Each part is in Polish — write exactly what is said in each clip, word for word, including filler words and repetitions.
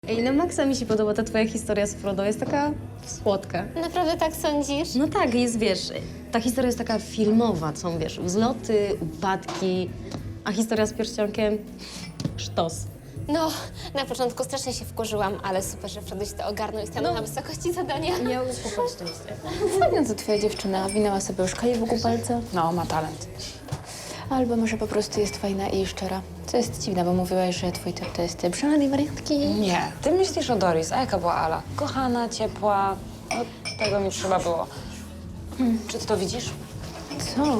Ej, na maksa mi się podoba ta twoja historia z Frodo. Jest taka słodka. Naprawdę tak sądzisz? No tak, jest, wiesz, ta historia jest taka filmowa, są, wiesz, wzloty, upadki, a historia z pierścionkiem sztos. No, na początku strasznie się wkurzyłam, ale super, że Frodo się to ogarnął i stanął No. na wysokości zadania. Miał uspokoić tę historię. Fajna to twoja dziewczyna. Winęła sobie już klej wokół palca. No, ma talent. Albo może po prostu jest fajna i szczera. Co jest dziwne, bo mówiłaś, że twój typ to jest typ szalonej wariantki. Nie. Ty myślisz o Doris, a jaka była Ala? Kochana, ciepła. No, tego mi trzeba było. Hmm. Czy ty to widzisz? Co?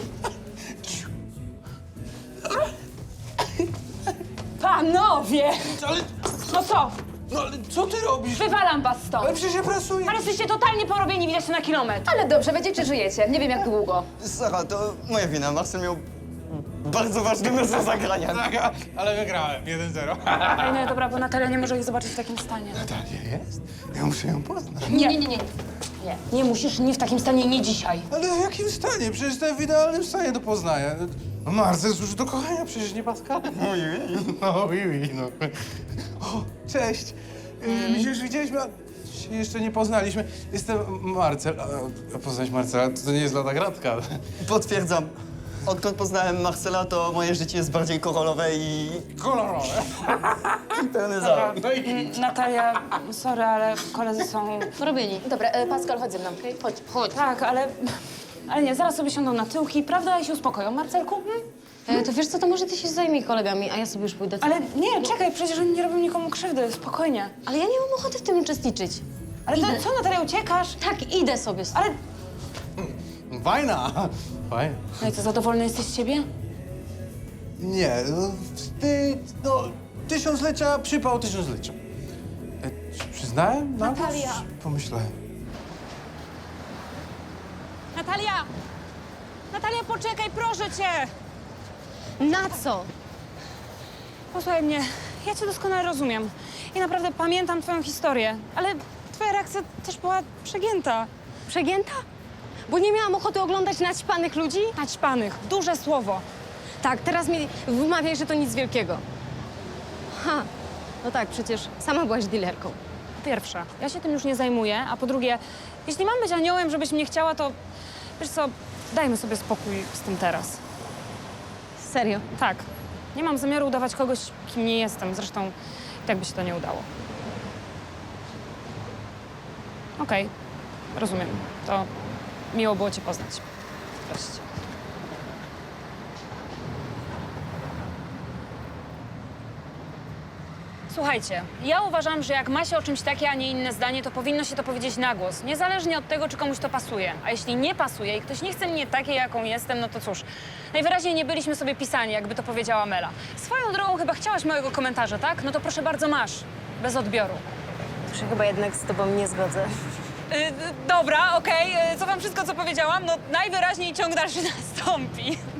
Panowie! Ale, No co? no ale co ty robisz? Wywalam was stąd! Ale przecież ja pracuję. Ale jesteście totalnie porobieni, widać to na kilometr. Ale dobrze, będziecie, żyjecie. Nie wiem jak długo. Sara, to moja wina. Marcel miał bardzo ważny mecz do zagrania. Tak, a- ale wygrałem. jeden zero. Ej, no dobra, bo Natalia nie może ich zobaczyć w takim stanie. Natalia jest? Ja muszę ją poznać. Nie, nie, nie, nie. Nie, nie musisz, nie w takim stanie, nie dzisiaj. Ale w jakim stanie? Przecież jestem w idealnym stanie do poznania. No Marcel służy do kochania, przecież nie Pascal. Ui, ui. No, oui, oui, no. O, cześć. Mm. My się już widzieliśmy, a się jeszcze nie poznaliśmy. Jestem Marcel. A, a poznać Marcela to, to nie jest lada gratka. Potwierdzam. Odkąd poznałem Marcela, to moje życie jest bardziej korolowe i Kolorowe. pełne za. No i... Natalia, sorry, ale koledzy są... Porobieni. Dobra, e, Pascal, chodź ze mną. Chodź. Chodź. Tak, ale... Ale nie, zaraz sobie siądą na tyłki, prawda? I się uspokoją. Marcelku? Hmm? E, to wiesz co, to może ty się zajmij kolegami, a ja sobie już pójdę. Ale nie, czekaj, przecież oni nie robią nikomu krzywdy, spokojnie. Ale ja nie mam ochoty w tym uczestniczyć. Ale to Idę. co, Natalia, uciekasz? Tak, idę sobie. Ale... Fajna. Fajna. No i co, zadowolony jesteś z siebie? Nie, no, ty, no, tysiąclecia, przypał tysiąclecia. E, czy przyznałem? No, Natalia. Pomyślałem. Natalia! Natalia, poczekaj, proszę cię! Na co? Posłuchaj mnie, ja cię doskonale rozumiem. I naprawdę pamiętam twoją historię, ale twoja reakcja też była przegięta. Przegięta? Bo nie miałam ochoty oglądać naćpanych ludzi? Naćpanych, duże słowo. Tak, teraz mi wmawiaj, że to nic wielkiego. Ha, no tak, przecież sama byłaś dealerką. Po pierwsze, ja się tym już nie zajmuję, a po drugie, jeśli mam być aniołem, żebyś mnie chciała, to wiesz co, dajmy sobie spokój z tym teraz. Serio. Tak, nie mam zamiaru udawać kogoś, kim nie jestem. Zresztą i tak by się to nie udało. Okej, rozumiem. To miło było cię poznać. Cześć. Słuchajcie, ja uważam, że jak ma się o czymś takie, a nie inne zdanie, to powinno się to powiedzieć na głos, niezależnie od tego, czy komuś to pasuje. A jeśli nie pasuje i ktoś nie chce mnie takiej, jaką jestem, no to cóż, najwyraźniej nie byliśmy sobie pisani, jakby to powiedziała Mela. Swoją drogą chyba chciałaś mojego komentarza, tak? No to proszę bardzo, masz. Bez odbioru. Już się chyba jednak z tobą nie zgodzę. Yy, dobra, okej, okay. Cofam wszystko, co powiedziałam. No najwyraźniej ciąg dalszy nastąpi.